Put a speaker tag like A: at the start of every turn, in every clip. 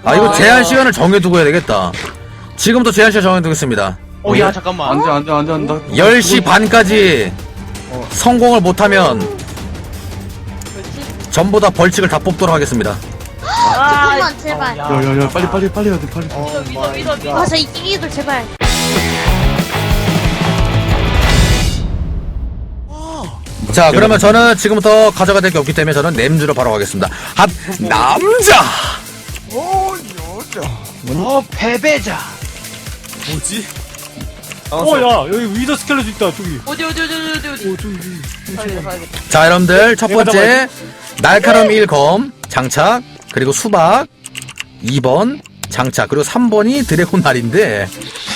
A: 아 이거 제한 시간을 정해두고 해야 되겠다. 지금부터 제한 시간 정해두겠습니다.
B: 야 잠깐만.
C: 안돼
A: 10시 반까지 성공을 못하면 전부 다 벌칙을 다 뽑도록 하겠습니다.
D: 잠깐만 제발.
C: 야야야 빨리 해야 돼 빨리.
D: 믿어. 아 저 이기기도 제발.
A: 자 그러면 저는 지금부터 가져가야 될 게 없기 때문에 저는 냄주로 바로 가겠습니다. 핫 남자.
B: 패배자.
E: 뭐지?
F: 야 여기 위더 스켈레톤 있다 저기.
G: 어디.
F: 저기.
G: 가야겠다.
A: 자 여러분들 첫 번째 날카로움 1검 장착, 그리고 수박 2번 장착, 그리고 3번이 드래곤 날인데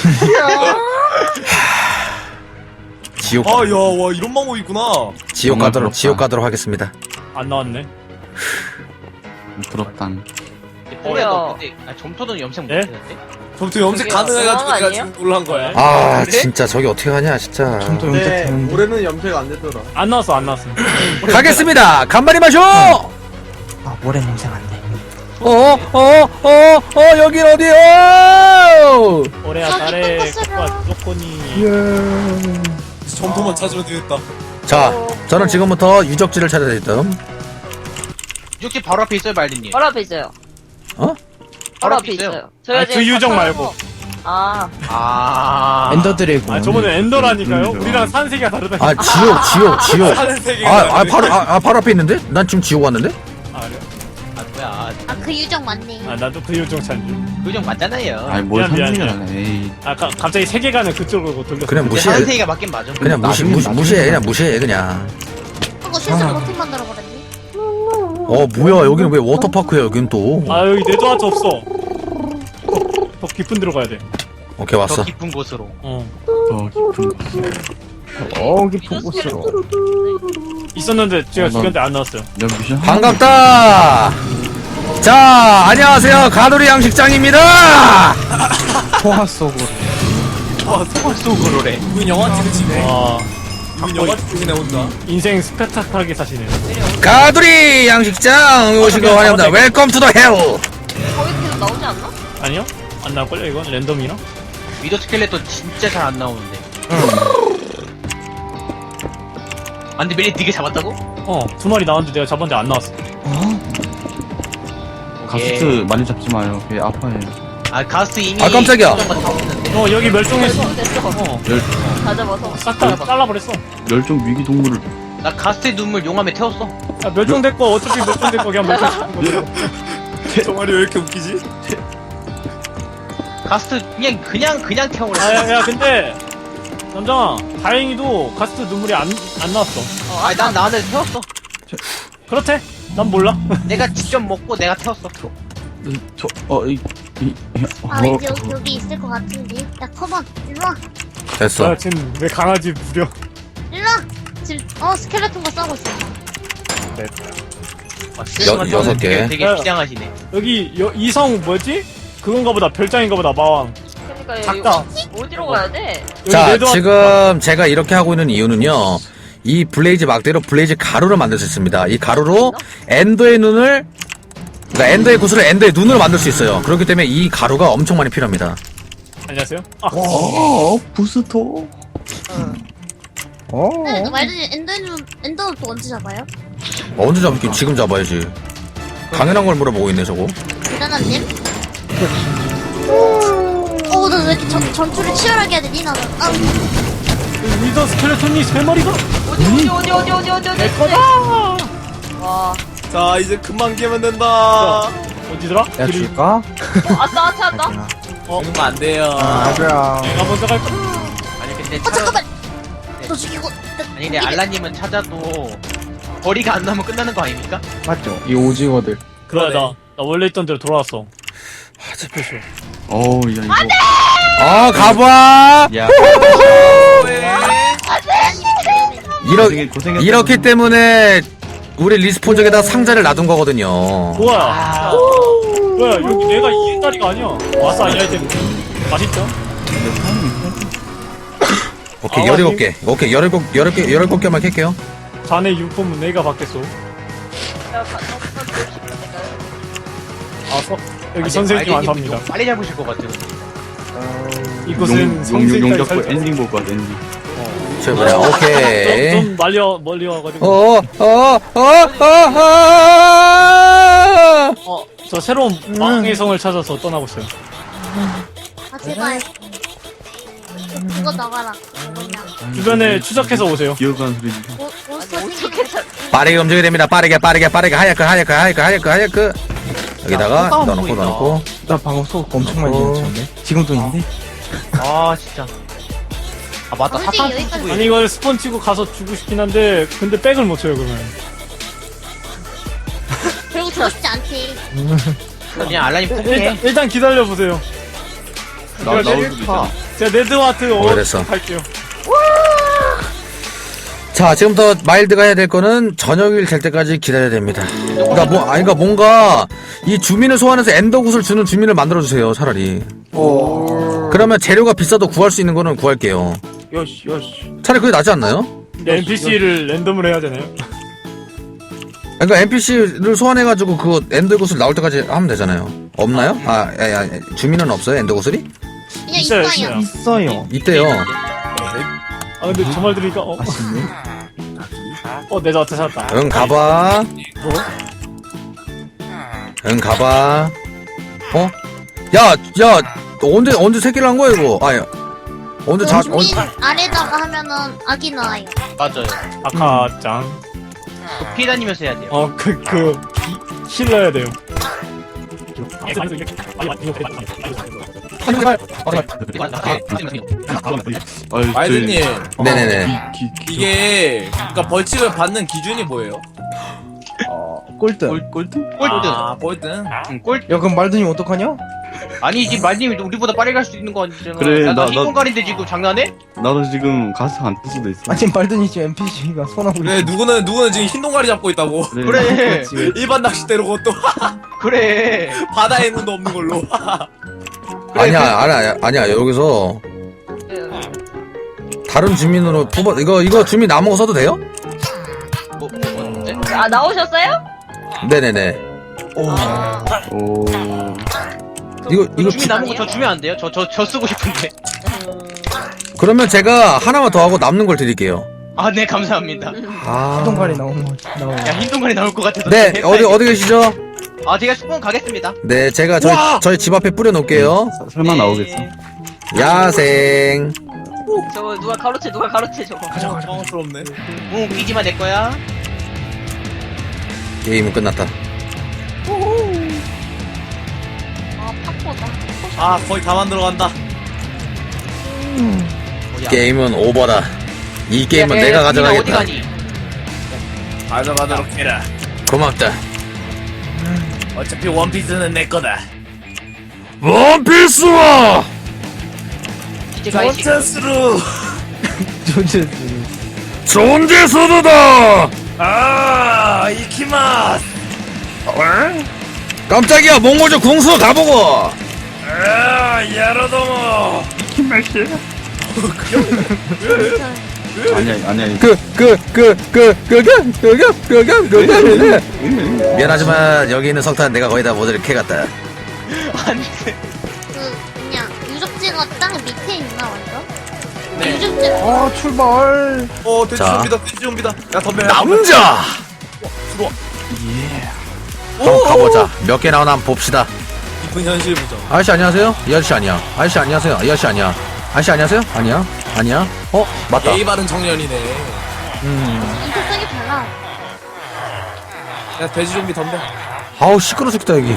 A: 지옥
E: 아, 야, 와, 이런 방법이 있구나.
A: 지옥 가도록 하겠습니다.
F: 안 나왔네.
C: 부럽당.
B: 너 근데 점토는 염색
F: 네?
B: 못했는데?
E: 점토 염색
G: 그게
E: 가능해가지고
G: 영화
E: 내가
G: 아니에요?
E: 지금 놀란 거야.
A: 아 진짜 저기 어떻게 하냐 진짜.
H: 올해는 염색 안 되더라.
F: 안 나왔어.
A: 가겠습니다. 간발이 마쇼.
H: 아, 올해 염색 안 돼.
A: 여긴 어디요?
F: 올해야 달에 코코아 쪼꼬니.
E: 점토만 찾으면 되겠다.
A: 자 저는 지금부터 유적지를 찾아야 되겠다.
B: 유적지 바로 앞에 있어요 말리님.
G: 바로 앞에 있어요.
A: 어?
G: 바로 앞에 있어요. 저희가
F: 아니,
G: 지금
F: 그 유적
G: 다
F: 말고.
B: 아.
H: 엔더 드래곤.
F: 아 저번에 엔더라니까요. 우리랑 산세계가 다르다.
A: 아 지옥.
E: 다른 세계가
A: 바로 앞에 있는데? 난 지금 지옥 왔는데?
F: 아 그래?
B: 아 뭐야.
D: 아 그 유적 맞네.
F: 아 나도 그 유적 찾는 줄.
B: 그 정 맞잖아요.
C: 아니 뭘
F: 미안.
C: 상상을 안 해. 에이.
F: 아 갑자기 세계관을 그쪽으로 돌렸어.
A: 그냥
B: 근데
A: 무시해.
B: 한세이가 맞긴 맞아.
A: 그냥 무시해 그냥.
D: 그거 실수로 버튼 만들어 버렸네.
A: 뭐야 여기는 왜 워터파크야 여긴 또.
F: 아 여기 내도 하트 없어. 더 깊은 데로 가야 돼.
A: 오케이 왔어.
B: 더 깊은 곳으로.
C: 더 깊은
H: 깊은 곳으로.
F: 있었는데 제가
C: 난-
F: 죽였는데 안 나왔어요.
C: 야 미션
A: 반갑다. 자 안녕하세요 가두리 양식장입니다.
H: 포화 속으로.
B: 소굴 속으로래.
E: 이분 영화 찍으지 네.
F: 와
E: 이분 영화 찍으네 혼자.
F: 인생 스펙타클하게 사시네요.
A: 가두리 양식장 오신 거 환영합니다. 웰컴 투 더 헬.
G: 거기 계속 나오지 않나?
F: 아니요? 안 나올걸요 이건? 랜덤이나?
B: 위더 스켈레톤 진짜 잘 안 나오는데. 안돼 멜리 되게 잡았다고?
F: 두 마리 나왔는데 내가 잡았는데 안 나왔어.
C: 가스트 많이 잡지 마요. 걔 아파요.
B: 아 가스 이미.
A: 아, 깜짝이야.
B: 수정과 다 없는데.
F: 여기 멸종했어.
G: 됐어.
C: 열
G: 다 잡아서.
F: 싹 다 잘라버렸어.
C: 멸종 위기 동물을
B: 나 가스의 눈물 용암에 태웠어.
F: 야, 멸종됐고 어차피 멸종됐고 그냥 멸종시킨 거야.
E: 정말이 왜 이렇게 웃기지?
B: 가스 그냥 태워버렸어.
F: 야 근데 남장아 다행히도 가스트 눈물이 안 나왔어.
B: 아니 난 나한테 태웠어.
F: 그렇대? 난 몰라.
B: 내가 직접 먹고 내가 태웠어.
D: 아 왠지 여기 있을 것 같은데. 야 커먼 일로 와.
A: 됐어.
F: 지금 내 강아지 무려.
D: 일로 와. 지금 스켈레톤과 싸우고 있어.
A: 여섯 개.
B: 되게
F: 야.
B: 비장하시네.
F: 여기 이성 뭐지? 그건가 보다 별장인가 보다 마왕.
G: 그러니까
F: 작다.
G: 여기 어디로 가야 돼?
F: 여기
A: 자
F: 레드와-
A: 지금 제가 이렇게 하고 있는 이유는요. 이 블레이즈 막대로 블레이즈 가루를 만들 수 있습니다. 이 가루로 엔더의 눈을, 그러니까 엔더의 구슬을 엔더의 눈으로 만들 수 있어요. 그렇기 때문에 이 가루가 엄청 많이 필요합니다.
F: 안녕하세요. 아,
C: 부스터.
D: 근데 말든지 엔더는 또 언제 잡아요?
A: 언제 잡을게? 지금 잡아야지. 당연한 걸 물어보고 있네 저거.
D: 대단한님? 너 왜 이렇게 전투를 치열하게 해야 되니 나는?
F: 위더 스켈레톤이 3마리가?
G: 어디.
F: 내 거다!
G: 와.
E: 자, 이제 금방 깨면 된다.
F: 어디더라?
H: 야
F: 길이-
H: 줄까?
G: 왔다.
E: 그런 거안 돼요.
H: 맞아.
F: 내가 먼저 갈까?
B: 아니 근데
D: 잠깐만. 너 죽이고.
B: 아니 근데 알라님은 찾아도 거리가 안 나면 끝나는 거 아닙니까?
H: 맞죠. 이 오징어들.
F: 그래 나 원래 있던 데로 돌아왔어. 스페쇼.
C: 어우 야 이거.
A: 아 가봐.
C: 야 고생했다.
A: 이렇기 때문에 우리 리스폰 쪽에다 상자를 놔둔 거거든요.
F: 뭐야? 뭐야 여기 내가 이긴 자리가 아니야. 와서 아니 아이템. 맛있죠?
A: 오케이
F: 아,
A: 17개. 오케이 17개만 캘게요.
F: 자네 융품은 내가 받겠소. 아 여기 선생님 안 삽니다.
B: 빨리 잡으실 것 같아요.
F: 이곳은 성생까지
C: 용잡고
F: 살짝
C: 엔딩 볼 거야 엔딩.
A: 저 뭐야, 오케이.
F: 좀 멀리 와가지고 저 새로운 망의 성을 찾아서 떠나고 있어요.
D: 아 제발. 그거 나가라. 뭐냐.
F: 주변에 추적해서 오세요.
C: 기어가는 소리.
D: 몬스터 생기는
G: 어떻게 찾
A: 빠르게 움직여야 됩니다. 빠르게 하얗게. 여기다가 넣어놓고.
H: 나 방금 속 엄청 많이 지었네. 지금도 있는데?
B: 아 진짜. 아 맞다.
D: 솔직히
B: 사탕
D: 여기까지
B: 쓰고
F: 아니 이걸 스폰 치고 가서 주고 싶긴 한데 근데 백을 못 쳐요 그러면.
D: 결국 주고 싶지 않지.
B: 그냥 알라님 포기해.
F: 일단 기다려 보세요.
C: 나올 수도 있잖아.
F: 제가 네드와트
A: 오래됐어.
F: 할게요.
A: 자, 지금부터 마일드가 해야 될 거는 저녁일 될 때까지 기다려야 됩니다. 그러니까 뭔가 이 주민을 소환해서 엔더굿을 주는 주민을 만들어 주세요. 차라리. 그러면 재료가 비싸도 구할 수 있는 거는 구할게요.
H: 요시.
A: 차라리 그게 낫지 않나요?
F: 근데 NPC를 랜덤으로 해야 되나요?
A: 그러니까 NPC를 소환해가지고 그 엔더굿을 나올 때까지 하면 되잖아요. 없나요? 주민은 없어요? 엔더굿이?
D: 그냥
F: 있어요,
D: 있어요.
F: 있어요.
H: 있어요.
A: 있대요.
F: 아 근데 저 말 들으니까
H: 아쉽네.
F: 네드와트 찾았다.
A: 응, 가봐. 응, 가봐. 야, 언제 새끼를 한 거야, 이거? 언제
D: 주민 아래다가 하면은 아기 나와요.
B: 맞아요.
F: 아카짱.
B: 피해 다니면서 해야 돼요.
F: 힐러야 돼요.
E: 마이드님
A: 네네네.
E: 이게 그러니까 벌칙을 받는 기준이 뭐예요?
H: 꼴등.
C: 꼴등?
B: 꼴등.
E: 아 꼴등.
B: 꼴.
H: 야, 그럼 말든이 어떡하냐?
B: 아니지 말님이 우리보다 빨리 갈 수 있는 거 아니잖아.
C: 그래,
B: 나
C: 나-
B: 흰공갈인데 지금 장난해?
C: 나도 지금 가스 안 뜰 수도 있어.
H: 아니, 말든이 지금 NPC가 손하고
E: 그래 누구는 지금 흰 동가리 잡고 있다고.
B: 그래.
E: 일반 낚싯대로 또
B: 그래.
E: 바다에 눈도 없는 걸로.
A: 아니야. 여기서 다른 주민으로 뽑아. 이거 주민 남은 거 써도 돼요?
B: 뭔데?
G: 아 나오셨어요?
A: 네네네.
C: 오.
A: 이거
B: 주민 남은 거 저 주면 안 돼요? 저 쓰고 싶은데.
A: 그러면 제가 하나만 더 하고 남는 걸 드릴게요.
B: 아, 네, 감사합니다.
H: 동갈이 나오는 거.
B: 야, 흰동갈이 나올 것 같아서.
A: 네, 어디 계시죠?
B: 아, 제가 스폰 가겠습니다.
A: 네, 제가 저희 집 앞에 뿌려 놓을게요.
C: 설마 나오겠어?
A: 야생.
G: 저거 누가 가로채 저거.
E: 당황스럽네.
B: 웃기지마, 내 거야.
A: 게임은 끝났다.
G: 아 팝포다.
E: 아 거의 다 만들어간다.
A: 게임은 오버다. 이 게임은
B: 야,
A: 내가
B: 어디
A: 가져가겠다.
B: 가니?
E: 가져가도록 해라.
A: 고맙다.
E: 어차피 원피스는 내 거다.
A: 원피스와
B: 이제 가이 씨.
E: 원찬스로.
A: 존재 소드다.
E: 아 이키마스.
A: 깜짝이야, 몽골족 궁수 가보고.
E: 아 야로도모.
C: 아니야.
A: 미안하지만 여기 있는 석탄 내가 거의 다 모델을 캐갔다.
B: 아니,
D: 그냥 유적지가 땅 밑에 있나 완전?
B: 네.
D: 유적지.
H: 아, 출발.
E: 돼지
A: 자.
E: 좀비다. 돼지 좀비다. 야 덤벼.
A: 남자. 그럼 가보자. 몇 개 나오나 한번 봅시다.
E: 깊은 현실 보자.
A: 아저씨 안녕하세요? 이 아저씨 아니야. 아저씨 안녕하세요? 이 아저씨 아니야. 아저씨 안녕하세요? 아니야. 맞다.
E: 예의 바른 청년이네.
D: 인격성이 달라.
E: 야 돼지 좀비 덤벼.
A: 아우 시끄러 죽겠다 여기.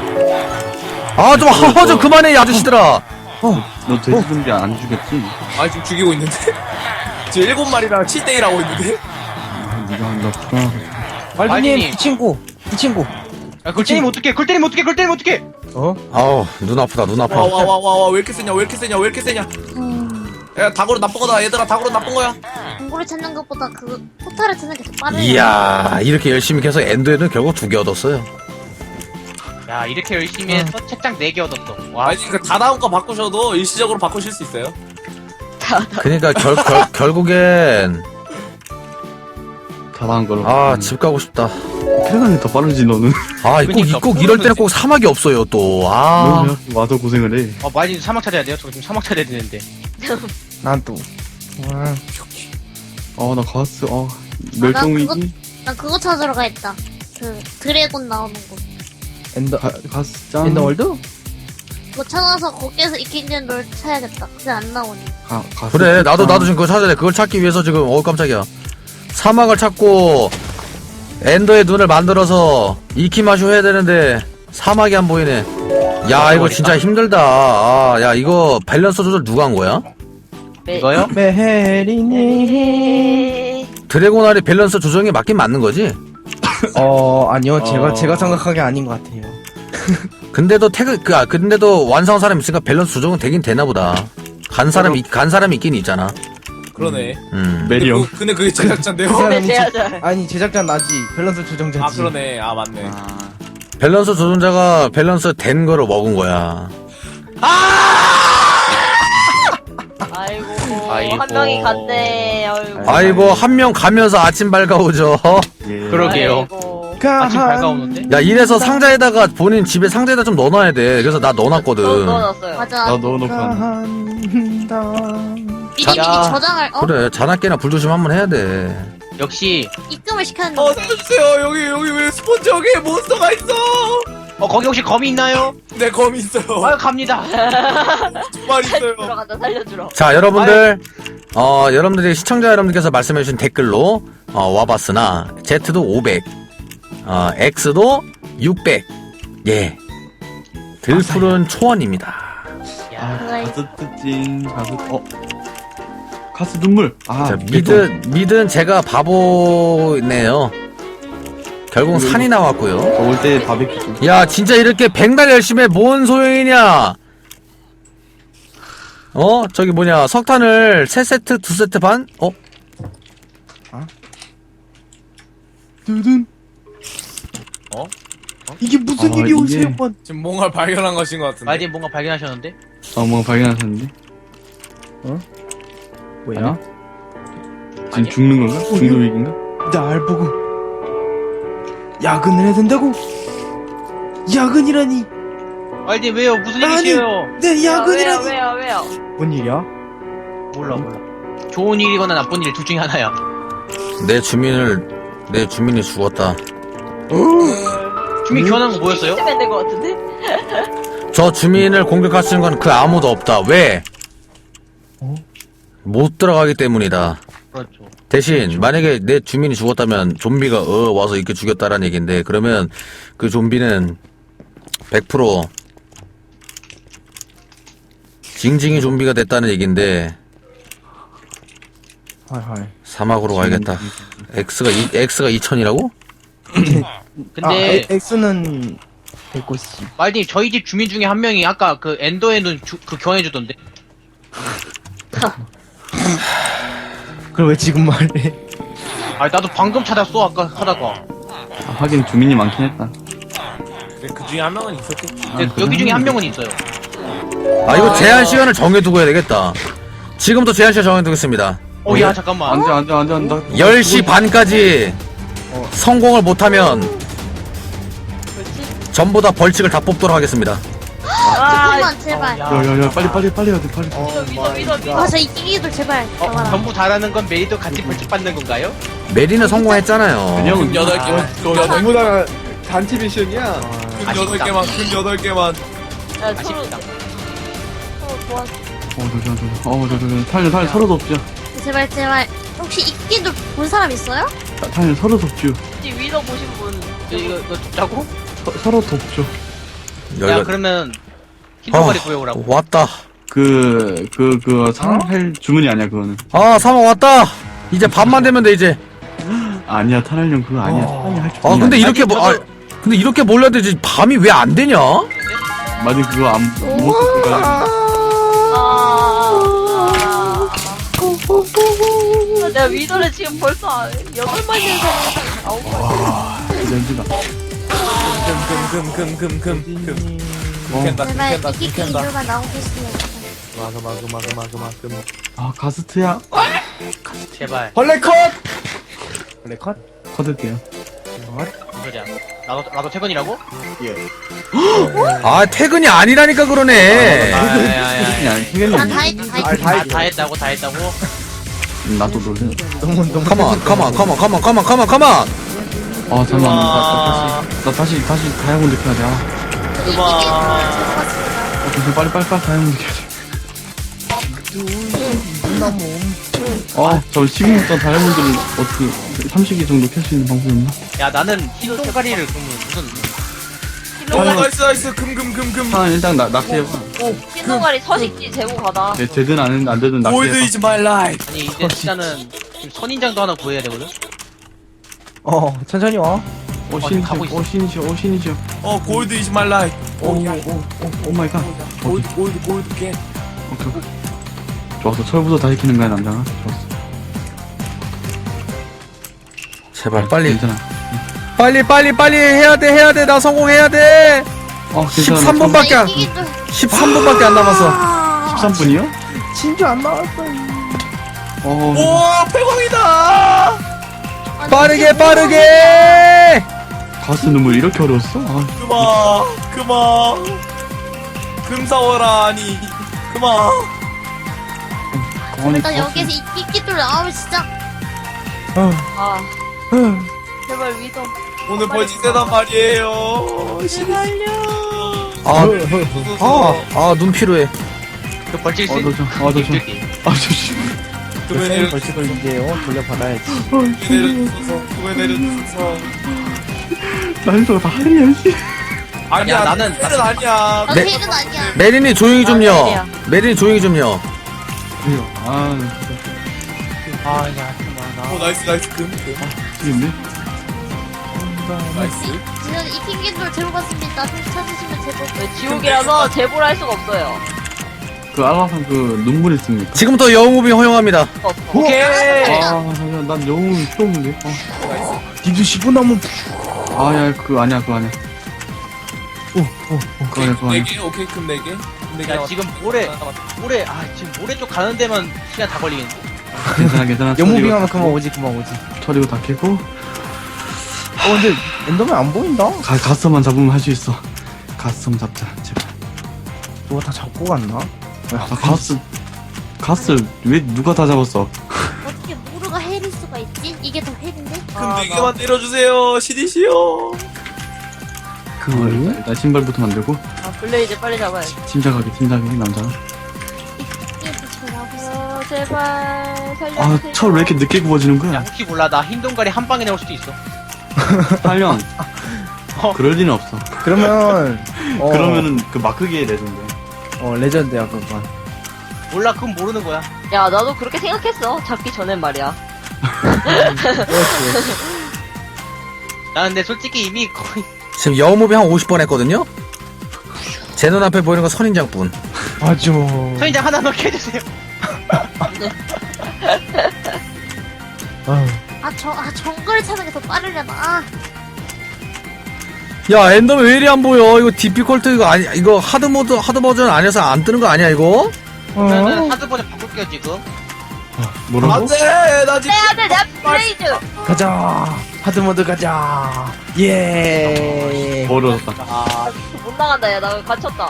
A: 좀 그만해 이 아저씨들아.
C: 너 돼지 좀비 안 죽였지?
E: 아 지금 죽이고 있는데. 지금 7마리랑 7대1 하고 있는데.
C: 네가 한다.
H: 말든님,
B: 말든이.
H: 이 친구.
B: 야, 그걸 때리면 어떡해.
A: 아우 눈 아프다 눈 아파.
E: 와 왜 이렇게 세냐. 야 닭으로 나쁜 거다 얘들아. 닭으로 나쁜 거야.
D: 공고를 찾는 것보다 그 포탈을 찾는 게 더 빠르네.
A: 이야 이렇게 열심히 해서 엔더에는 결국 2개 얻었어요.
B: 야, 이렇게 열심히 해서 책장 4개 얻었어. 와,
E: 아니 그 다 나온 거 바꾸셔도 일시적으로 바꾸실 수 있어요.
A: 그러니까 결국엔
C: 다 나은 걸로.
A: 집 가고 싶다.
C: 캐나다는 더 빠르지 너는.
A: 아, 꼭 이럴 때는 꼭 사막이 없어요, 또. 아.
C: 너는 왜 와서 고생을 해.
B: 마이님 사막 찾아야 돼요? 저 지금 사막 찾아야 되는데.
H: 난 또.
C: 나 가스. 멸종위기.
D: 난 그거 찾으러 가겠다. 그 드래곤 나오는 곳.
H: 엔더
C: 가스 짱.
H: 엔더월드?
D: 그거 찾아서 거기에서 이킹된 롤 찾아야겠다. 그게 안 나오니.
C: 가스
A: 그래, 나도
C: 짱.
A: 지금 그거 찾아야 돼. 그걸 찾기 위해서 지금, 깜짝이야. 사막을 찾고, 엔더의 눈을 만들어서, 이키마쇼 해야 되는데, 사막이 안 보이네. 야, 이거 진짜 힘들다. 아, 야, 이거 밸런스 조절 누가 한 거야?
B: 이거요?
H: 메헤리니.
G: 에헤.
A: 드래곤알이 밸런스 조정이 맞긴 맞는 거지?
H: 아니요. 제가 생각한 게 아닌 것 같아요.
A: 근데도 근데도 완성한 사람 있으니까 밸런스 조정은 되긴 되나 보다. 간 사람이 있긴 있잖아.
E: 그러네.
C: 메리 형.
E: 근데 그게 제작자인데요?
G: 네, 제자자.
H: 아니 제작자 나지. 밸런스 조정자지.
E: 아 그러네. 아 맞네.
A: 밸런스 조정자가 밸런스 된 거를 먹은 거야.
G: 아이고, 한 명이 갔네.
A: 아이고, 한 명 가면서 아침 밝아오죠.
C: 예.
B: 그러게요.
G: 아이고.
B: 아침 밝아오는데?
A: 야, 이래서 상자에다가 본인 집에 상자에다 좀 넣어놔야 돼. 그래서 나 넣어놨거든.
G: 넣어놨어요.
D: 맞아.
C: 나 넣어놓고
H: 한다.
D: 미리 저장할
A: 그래, 자나깨나 불조심 한번 해야 돼.
B: 역시
D: 입금을 시켰는데.
E: 살려주세요. 여기 왜 스폰지 여기에 몬스터가 있어?
B: 거기 혹시 검이 있나요?
E: 네 검 있어요.
B: 아유 갑니다.
E: 두말 있어요.
G: 들어간다, 살려주러.
A: 자, 여러분들, 여러분들이 시청자 여러분들께서 말씀해주신 댓글로, 와봤으나, Z도 500, X도 600, 예. 들풀은 초원입니다.
B: 야,
C: 가스 찡. 가스 눈물.
A: 자, mid은 제가 바보네요. 결국 산이 나왔고요.
C: 올 때 바베큐 좀.
A: 야, 진짜 이렇게 백날 열심히 해, 뭔 소용이냐? 저기 뭐냐, 석탄을 3세트, 2세트 반?
H: 두둔. 이게 무슨 일이
C: 이게-
H: 오세요, 번?
E: 지금 뭔가를 발견한 것인 것 같은데.
B: 마이님 뭔가 발견하셨는데?
C: 뭔가 발견하셨는데?
H: 뭐야?
C: 지금
B: 아니야?
C: 죽는 건가? 죽는 위기인가?
H: 날 보고 야근을 해야 된다고? 야근이라니?
B: 마이님 왜요? 무슨
H: 아니.
B: 일이세요?
H: 내 야근이라니?
G: 왜요?
H: 뭔 일이야?
B: 몰라. 좋은 일이거나 나쁜 일 둘 중에 하나야.
A: 내 주민이 죽었다.
B: 주민 교환한 거 뭐였어요?
G: 시면 될것 같은데?
A: 저 주민을 공격할 수 있는 건 그 아무도 없다. 왜? 못 들어가기 때문이다.
B: 그렇죠.
A: 대신 만약에 내 주민이 죽었다면 좀비가 와서 이렇게 죽였다라는 얘기인데, 그러면 그 좀비는 100% 징징이 좀비가 됐다는 얘기인데,
H: 헐.
A: 사막으로 가야겠다. X가 2000이라고?
B: 근데
H: X는 190.
B: 마이님 저희 집 주민 중에 한 명이 아까 그 엔더의 눈 그 교환해주던데.
H: 그걸 왜 지금 말해?
B: 아 나도 방금 찾았어 아까 하다가.
C: 하긴 주민이 많긴 했다.
E: 근데 그 중에 한 명은 있었겠지.
B: 근데 여기 중에 한 명은 있어요.
A: 아, 이거 제한 시간을 정해두고 해야 되겠다. 지금부터 제한 시간 정해두겠습니다.
B: 야 잠깐만.
C: 안 돼.
A: 10시 반까지 성공을 못하면
G: 그렇지?
A: 전부 다 벌칙을 다 뽑도록 하겠습니다.
D: 조금만 제발.
C: 야야야 빨리 해야 돼 빨리.
G: 믿어.
D: 아, 저 이기기도 제발. 잡아라.
B: 전부 잘하는 건 메리도 같이 벌칙 받는 건가요?
A: 메리는 성공했잖아요.
C: 그냥은
E: 8개만.
H: 전부 다 단체 미션이야.
E: 큰 8개만. 큰 8개만.
G: 야, 서로
B: 아쉽다.
G: 도와.
C: 탈려 서로도 없죠.
D: 제발. 혹시 이기기도 본 사람 있어요?
C: 탈려 서로도 없죠.
G: 혹시 위더 보신 분?
B: 이거 짜고?
C: 서로도 없죠.
B: 야
A: 여기가
B: 그러면 흰도가리 구해오라고.
A: 왔다.
C: 사랑할 주문이 아니야 그거는.
A: 아, 사막 왔다. 이제 밤만 되면 돼 이제.
C: 아니야 타날령 그거 아니야. 타날령 할 주문이
A: 아, 근데
C: 아니야.
A: 이렇게 근데 이렇게 몰려야 되지. 밤이 왜 안 되냐?
C: 맞아 그거 못 먹을 거야.
G: 내가 위더를 지금 벌써 8마리에서 9마리.
C: 연주다.
E: 금. 캔다.
D: 제발
E: 캔다.
D: 이기기
E: 캔다.
D: 이유가 나오고 있으면.
C: 아 가스트야.
B: 제발.
H: 벌레 컷. 벌레 컷.
C: 커드게요.
B: 무슨 소리야? 나도 퇴근이라고?
A: 아 퇴근이 아니라니까 그러네.
B: 야야야야.
C: 그냥
D: 난
C: 퇴근이
D: 다 했지.
B: 다 했다고 다 했다고?
C: 나도 놀래.
A: 컴온.
C: 아 잠깐만. 나 다시 다이아몬드 켜야 돼. 아, 빨리 다이아몬드 켜야 돼. 저 16단 다이아몬드를 어떻게 30개 정도 켤 수 있는 방법이 없나?
B: 야 나는 흰 동가리를 그러면 무슨
E: 오 나이스 금.
C: 하나 일단 낚시해봐.
G: 흰동아리 서식지 제보 가다.
C: 되든 안 되든
E: 골드
C: 낚시해봐.
E: is my life.
B: 아니 이제 진짜는 지금 선인장도 하나 구해야 되거든?
H: 천천히 와.
B: 가고 있어.
C: 신이죠.
E: 골드 is my life.
C: 오 마이 갓.
E: 골드 게.
C: 오케이. 좋았어. 철부터 다 익히는 거야, 남자가. 좋았어.
A: 제발 빨리
C: 괜찮아.
A: 빨리 해야 돼. 나 성공해야 돼.
C: 괜찮아.
A: 13분밖에 안 13분밖에 안 남았어.
C: 13분이요?
H: 진주 안 나왔어.
E: 오 폐광이다.
A: 빠르게.
C: 가스 눈물 이렇게 어려웠어?
E: 그만. 금사워라 아니. 그만.
D: 일단 여기에서 이끼돌 나오면 진짜.
G: 아. 제발 위도.
E: 오늘 벌칙 세단 말이에요.
A: 눈 필요해.
B: 그 벌칙 있어?
C: 너 조심.
E: 금에
H: 벌칙을 이제 돌려받아야지.
E: 내려주소서.
C: 난이도가 다 하냐, 씨.
E: 아니야
B: 야, 나는-
E: 텔은 아니야.
D: 넌
A: 네.
D: 헬은 아니야.
A: 메린이 조용히 좀요.
G: 아니야.
A: 메린이 조용히 좀요.
B: 아야 그만
E: 오 나이스 금.
C: 미치겠네.
E: 나이스.
D: 저는 이끼돌 제보 받습니다. 찾으시면 제보.
G: 지옥이라서 제보를 할 수가 없어요.
C: 그 알라산 그 눈물 있습니까?
A: 지금부터 영웅무빙 허용합니다.
B: 오케이
C: 잠시만, 난 영웅이 필요 없는데.
H: 님도 10분 남으면
C: 야, 그거 아니야. 그거 아니야. 그거 아니야.
E: 4개 오케이 금 4개.
B: 야 지금 모래 지금 모래 쪽 가는 데만 시간 다 걸리겠네.
C: 괜찮아.
H: 영무빙하면 그만 오지.
C: 처리고 다 캐고.
H: 근데 엔더맨 안 보인다.
C: 가스만 잡으면 할 수 있어. 가스만 잡자, 제발.
H: 누가 다 잡고 갔나?
C: 가스 왜 누가 다 잡았어?
D: 어떻게 모루가 헬일 수가 있지? 이게 더 헬인데?
E: 금 4개만 때려주세요. 시디시오.
C: 일단 신발부터 만들고.
G: 블레이즈 빨리 잡아야지.
C: 침착하게 남자가.
D: 이게 더 잘하고.
G: 제발 살려주세요.
C: 철 왜 이렇게 늦게 구워지는
B: 야
C: 거야?
B: 혹시 몰라 나 흰 동가리 한 방에 나올 수도 있어.
C: 8년. 그럴 리는 없어.
H: 그러면
C: 그러면은 그 마크기에 레전드.
H: 레전드야 그건.
B: 몰라 그건 모르는 거야.
G: 야 나도 그렇게 생각했어. 잡기 전엔 말이야.
B: 나 근데 솔직히 이미 거의
A: 지금 영웅무빙 한 50번 했거든요. 제 눈앞에 보이는 건 선인장뿐.
H: 맞아.
B: 선인장 하나만 캐주세요.
D: 정글 찾는 게 더 빠르려나.
A: 야 엔더맨 왜 이리 안 보여? 이거 디피컬트 이거 하드 버전 아니어서 안 뜨는 거 아니야 이거?
B: 그러면은 하드 버전 바꿀게요 지금.
C: 뭐라고?
E: 안돼 나 지금.
G: 빼야돼 내 블레이즈.
H: 가자. 하드모드 가자. 예.
C: 어려웠다.
G: 못 나간다. 야 나 갇혔다.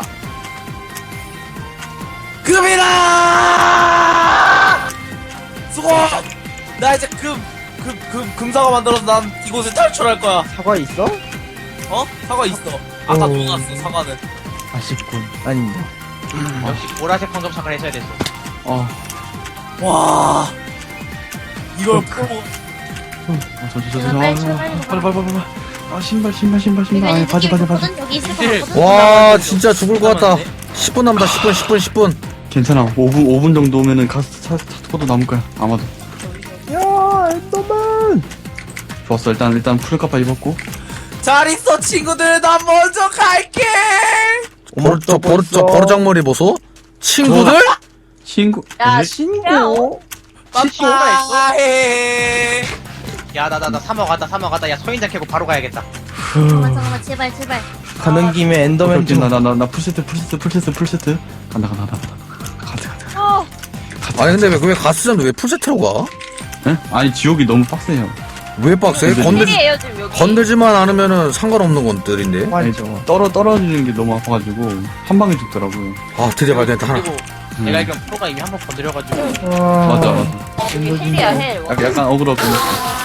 E: 금이다. 수고. 나 이제 금사가 만들어서 난 이곳을 탈출할 거야.
H: 사과 있어?
E: 사과 있어. 아까 녹았어 사과는.
H: 아쉽군. 아닙니다.
B: 역시 보라색 황금사과를 해줘야 됐어.
E: 와. 이걸 보고.
C: 빨리. 신발. 아니, 바지.
D: 여기 있을 것 같거든?
A: 와 진짜 죽을 것 같다. 10분 남다. 10분.
C: 괜찮아. 5분 정도 오면은 가스 찾고도 남을 거야. 아마도.
H: 야 엔더맨.
C: 좋았어. 일단 풀카파 입었고.
E: 잘 있어 친구들. 나 먼저 갈게.
A: 저 버르장머리 보소. 친구들?
C: 친구.
G: 야
H: 신고.
E: 빠빠해.
B: 야 나 사막 왔다. 야 서인장 캐고 바로 가야겠다.
D: 잠깐만 제발.
H: 가는 김에 엔더맨 좀.
C: 나 풀세트. 간다.
A: 아니 근데 왜 가스장도 왜 풀세트로 가?
C: 에? 아니 지옥이 너무 빡세요.
A: 왜 빡세?
C: 근데-
G: 헬이에요 지금 여기.
A: 건들지만 않으면은 상관없는 것들인데.
C: 아니,
H: 맞죠.
C: 떨어지는 게 너무 아파가지고 한 방에 죽더라고요.
A: 아, 드디어 발견했다, 하나.
B: 그리고 내가 알기론 프로가 이미 한 번 건드려가지고
C: 맞아.
G: 여기 헬이야 헬.
C: 약간 억울하고.